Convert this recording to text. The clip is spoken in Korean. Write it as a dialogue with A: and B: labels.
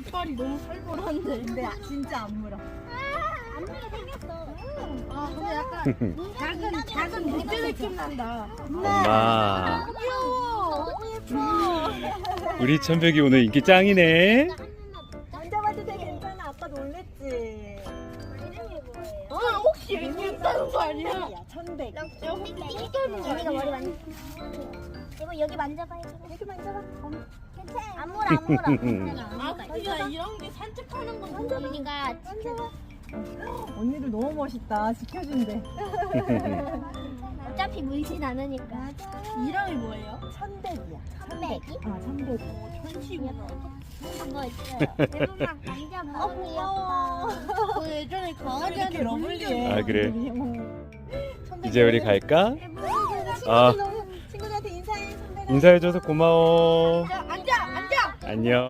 A: 이빨이 너무 살벌한데.
B: 근데 진짜 안 물어.
C: 안 물게 생겼어.
A: 아 근데 약간 작은 무대 느낌 난다.
D: 엄마,
B: 귀여워. 예뻐.
D: 우리 천백이 오늘 인기 짱이네.
B: 만져봐도 돼. 괜찮아. 아까 놀랬지.
C: 이름이 뭐예요?
A: 혹시 애기 있다는 거 아니야?
B: 야, 천백.
C: 언니가 머리 만져. 이거 여기 만져봐요.
B: 여기 만져봐.
C: 괜찮아. 안 물어 안 물어.
A: 아 그냥 이런 게 산책하는 건 좋아.
C: 언니가 지켜줘.
B: 언니들 너무 멋있다. 지켜준대.
C: 어차피 물진 않으니까.
A: 이름이 뭐예요?
B: 천백이야.
C: 천백이?
B: 아, 천백.
A: 천식이야.
C: 그거 있어요. 대부분 만져봐.
B: 귀여워.
A: 그 예전에
B: 이렇게
A: 강아지한테 물린
B: 러블리해.
D: 아, 그래?
B: 천백이.
D: 이제 우리 갈까?
B: 친구들
D: 아.
B: 너무 친구들한테 인사해. 천백아.
D: 인사해줘서 고마워.
A: 앉아.
D: 안녕.